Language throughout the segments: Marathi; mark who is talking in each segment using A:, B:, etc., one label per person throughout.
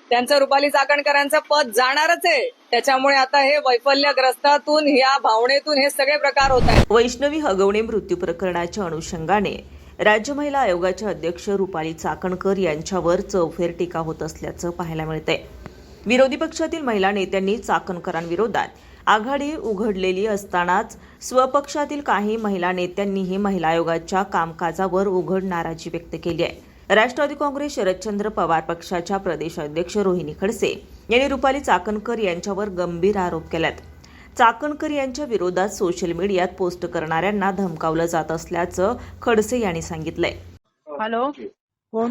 A: त्यांचं रुपाली चाकणकरांचं पद जाणारच आहे. त्याच्यामुळे आता हे वैफल्यग्रस्तातून या भावनेतून हे सगळे प्रकार होत आहेत.
B: वैष्णवी हगवणे मृत्यू प्रकरणाच्या अनुषंगाने राज्य महिला आयोगाच्या अध्यक्ष रुपाली चाकणकर यांच्यावर चौफेर टीका होत असल्याचं पाहायला मिळतंय. विरोधी पक्षातील महिला नेत्यांनी चाकणकरांविरोधात आघाडी उघडलेली असतानाच स्वपक्षातील काही महिला नेत्यांनीही महिला आयोगाच्या कामकाजावर उघड नाराजी व्यक्त केली आहे. राष्ट्रवादी काँग्रेस शरदचंद्र पवार पक्षाच्या प्रदेश अध्यक्ष रोहिणी खडसे यांनी रुपाली चाकणकर यांच्यावर गंभीर आरोप केलेत. चाकणकर यांच्या विरोधात सोशल मीडियात पोस्ट करणाऱ्यांना धमकावलं जात असल्याचं खडसे यांनी सांगितलंय.
C: हॅलो,
D: कोण?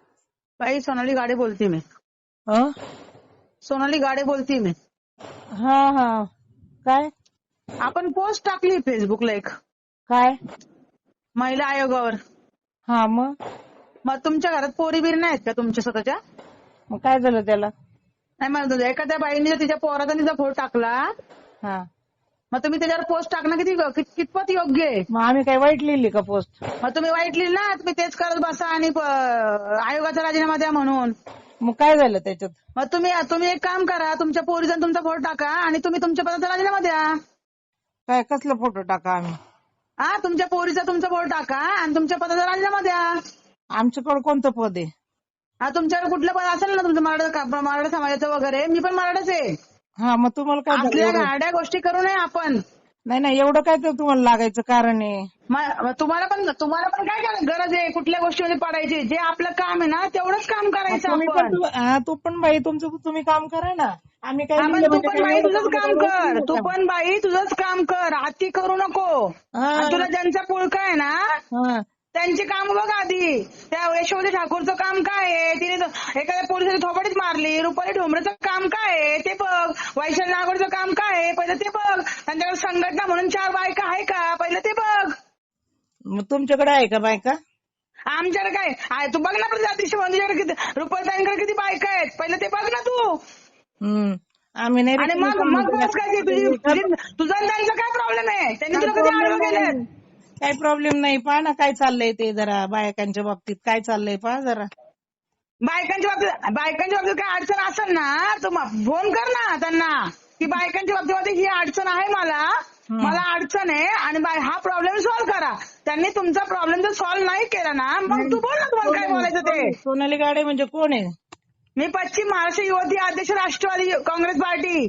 C: बाई सोनाली गाडे बोलते मी.
D: हं?
C: सोनाली गाडे बोलते मी.
D: हा हा. काय
C: आपण पोस्ट टाकली फेसबुकला एक
D: काय?
C: महिला आयोगावर.
D: हा मग
C: मग तुमच्या घरात पोरी बिरी नाहीत का तुमच्या स्वतःच्या?
D: मग काय झालं त्याला?
C: नाही म्हणत होते, एखाद्या बाईने जर तिच्या पोराचा तिचा फोटो टाकला
D: हा,
C: मग तुम्ही त्याच्यावर पोस्ट टाकणं कितपत योग्य आहे?
D: मग आम्ही काय वाईट लिहिली का पोस्ट?
C: मग तुम्ही वाईट लिहिली ना, तुम्ही तेच करत बसा आणि आयोगाचा राजीनामा द्या म्हणून.
D: मग काय झालं त्याच्यात?
C: मग तुम्ही एक काम करा, तुमच्या पोरीचा तुमचा फोटो टाका आणि तुम्ही तुमच्या पदाचा राजीनामा द्या.
D: काय कसला फोटो टाका आम्ही?
C: हा, तुमच्या पोरीचा तुमचा फोटो टाका आणि तुमच्या पदाचा राजीनामा द्या.
D: आमच्याकडे कोणतं पद आहे?
C: हा, तुमच्याकडे कुठलं पद असेल ना तुमचं मराठा समाजाचं वगैरे, मी पण मराठाच आहे.
D: हा, मग तुम्हाला काय झालं
C: आपल्या
D: एवढं?
C: गाड्या गोष्टी करू नये आपण.
D: नाही एवढं काय तर तुम्हाला लागायचं कारण आहे?
C: तुम्हाला पण काय गरज आहे कुठल्या गोष्टीमध्ये पडायची? जे आपलं काम आहे ना तेवढंच काम करायचं
D: तुम्ही
C: आपण.
D: पण तू पण बाई तुमचं तुम्ही काम करा ना. आम्ही काय
C: आपण
D: लिहिलं
C: तू
D: म्हणजे
C: पण
D: काय
C: बाई
D: एवढं
C: तुझंच काम
D: करायचं
C: कर,
D: नाही
C: तू
D: का?
C: पण बाई तुझंच काम कर, अति करू नको.
D: हा.
C: आणि तुला ज्यांचा पुळका आहे ना
D: हा.
C: त्यांची काम बघ आधी. त्या यशोमती ठाकूरचं काम काय आहे? तिने एखाद्या पोलिसाने थोपडीच मारली. रुपाली ढोंबरेचं काम काय आहे ते बघ. वैशाली नागोडचं काम काय आहे पहिलं ते बघ. त्यांच्याकडे संघटना म्हणून 4 बायका आहे का पहिलं ते बघ.
D: मग तुमच्याकडे आहे का बायका?
C: आमच्याकडे काय आहे तू बघ ना. पण जातीशी तुझ्याकडे किती रुपालीताईंकडे किती बायका आहेत पहिलं ते बघ ना तू.
D: आम्ही नाही
C: आणि मग बस काय तुझा आणि त्यांचा काय प्रॉब्लेम आहे? त्यांनी तुला कधी आडवं केलं?
D: काही प्रॉब्लेम नाही. पहा ना काय चाललंय ते जरा बायकांच्या बाबतीत काय चाललंय पहा जरा.
C: बायकांच्या बाबतीत काय अडचण असेल ना तर फोन कर ना त्यांना की बायकांच्या बाबतीमध्ये ही अडचण आहे मला अडचण आहे आणि हा प्रॉब्लेम सॉल्व्ह करा. त्यांनी तुमचा प्रॉब्लेम जर सॉल्व्ह नाही केला ना मग तू बोल ना तुम्हाला काय बोलायचं ते.
D: सोनाली गाडे म्हणजे कोण आहे?
C: मी पश्चिम महाराष्ट्र युवती अध्यक्ष राष्ट्रवादी काँग्रेस पार्टी.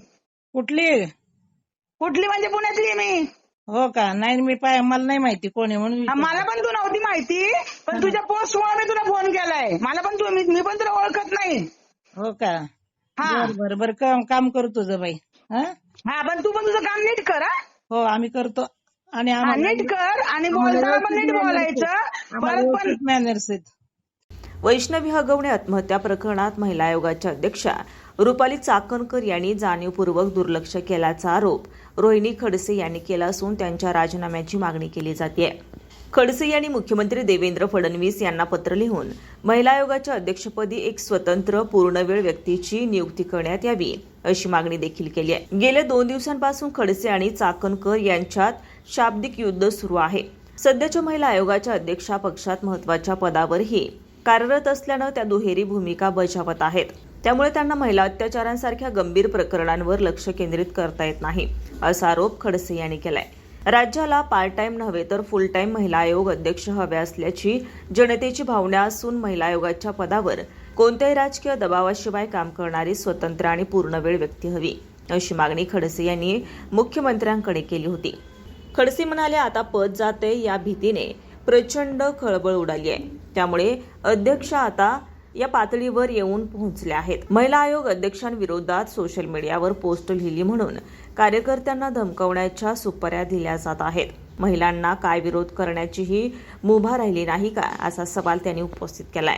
C: कुठली म्हणजे पुण्यातली मी.
D: हो का? नाही मला नाही माहिती कोण आहे म्हणून
C: मला पण तू नव्हती माहिती पण तुझ्या पोस्टमुळे मी तुला फोन केलाय. मला पण मी पण तुला ओळखत नाही.
D: हो का?
C: हा
D: बर काम करू तुझं बाई.
C: हा पण तू पण तुझं काम नीट कर.
D: हो आम्ही करतो आणि
C: नीट कर आणि बोलताना पण नीट बोलायचं. परत पण
D: मॅनर्स आहेत.
B: वैष्णवी हगवणे आत्महत्या प्रकरणात महिला आयोगाच्या अध्यक्षा रुपाली चाकणकर यांनी जाणीवपूर्वक दुर्लक्ष केल्याचा आरोप रोहिणी खडसे यांनी केला असून त्यांच्या राजीनाम्याची मागणी केली जाते. खडसे यांनी मुख्यमंत्री देवेंद्र फडणवीस यांना पत्र लिहून महिला आयोगाच्या अध्यक्षपदी एक स्वतंत्र पूर्णवेळ व्यक्तीची नियुक्ती करण्यात यावी अशी मागणी देखील केली आहे. गेल्या 2 दिवसांपासून खडसे आणि चाकणकर यांच्यात शाब्दिक युद्ध सुरू आहे. सध्याच्या महिला आयोगाच्या अध्यक्षा पक्षात महत्वाच्या पदावरही कार्यरत असल्यानं त्या दुहेरी भूमिका बजावत आहेत. त्यामुळे त्यांना महिला अत्याचारांसारख्या गंभीर प्रकरणांवर लक्ष केंद्रित करता येत नाही असा आरोप खडसे यांनी केलाय. राज्याला पार्ट टाइम नव्हे तर फुल टाइम महिला आयोग अध्यक्ष हवे असल्याची जनतेची भावना असून महिला आयोगाच्या पदावर कोणत्याही राजकीय दबावाशिवाय काम करणारी स्वतंत्र आणि पूर्णवेळ व्यक्ती हवी अशी मागणी खडसे यांनी मुख्यमंत्र्यांकडे केली होती. खडसे म्हणाले, आता पद जाते या भीतीने प्रचंड खळबळ उडाली आहे. त्यामुळे अध्यक्ष आता या पातळीवर येऊन पोहोचले आहेत. महिला आयोग अध्यक्षांविरोधात सोशल मीडियावर पोस्ट लिहिली म्हणून कार्यकर्त्यांना धमकावण्याच्या सुपाऱ्या दिल्या जात आहेत. महिलांना काय विरोध करण्याचीही मुभा राहिली नाही का असा सवाल त्यांनी उपस्थित केलाय.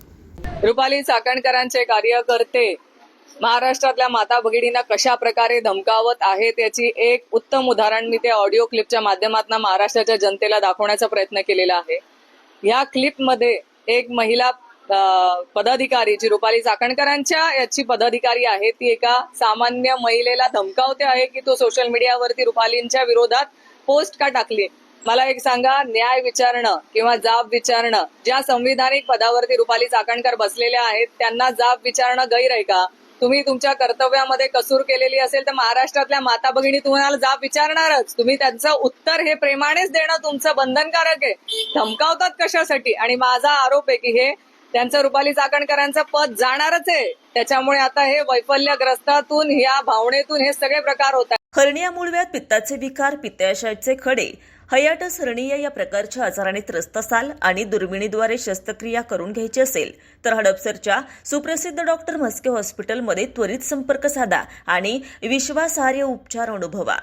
A: रुपाली चाकणकरांचे कार्यकर्ते महाराष्ट्रातल्या माता भगिनींना कशा प्रकारे धमकावत आहेत याची एक उत्तम उदाहरण मी ते ऑडिओ क्लिपच्या माध्यमातून महाराष्ट्राच्या जनतेला दाखवण्याचा प्रयत्न केलेला आहे. या क्लिपमध्ये एक महिला पदाधिकारी जी रुपाली चाकणकरांच्या याची पदाधिकारी आहे ती एका सामान्य महिलेला धमकावते आहे की तो सोशल मीडियावरती रुपालींच्या विरोधात पोस्ट का टाकली. मला एक सांगा, न्याय विचारणं किंवा जाब विचारणं, ज्या संविधानिक पदावरती रुपाली चाकणकर बसलेल्या आहेत त्यांना जाब विचारणं गैर आहे का? तुम्ही तुमच्या कर्तव्यामध्ये कसूर केलेली असेल तर महाराष्ट्रातल्या माता भगिनी तुम्हाला जाब विचारणारच. तुम्ही त्यांचं उत्तर हे प्रेमानेच देणं तुमचं बंधनकारक आहे. धमकावतात कशासाठी? आणि माझा आरोप आहे की हे त्यांचं रुपाली चाकणकरांचं पद जाणारच आहे. त्याच्यामुळे आता हे वैफल्यग्रस्तातून, या भावनेतून हे सगळे प्रकार होत आहेत.
B: हर्निया, मूळव्याध, पित्ताचे विकार, पित्ताशयाचे खडे, हायटिस हर्निया या प्रकारच्या आजाराने त्रस्त असाल आणि दुर्बिणीद्वारे शस्त्रक्रिया करून घ्यायची असेल तर हडपसरच्या सुप्रसिद्ध डॉक्टर म्हस्के हॉस्पिटलमध्ये त्वरित संपर्क साधा आणि विश्वासार्ह उपचार अनुभवा.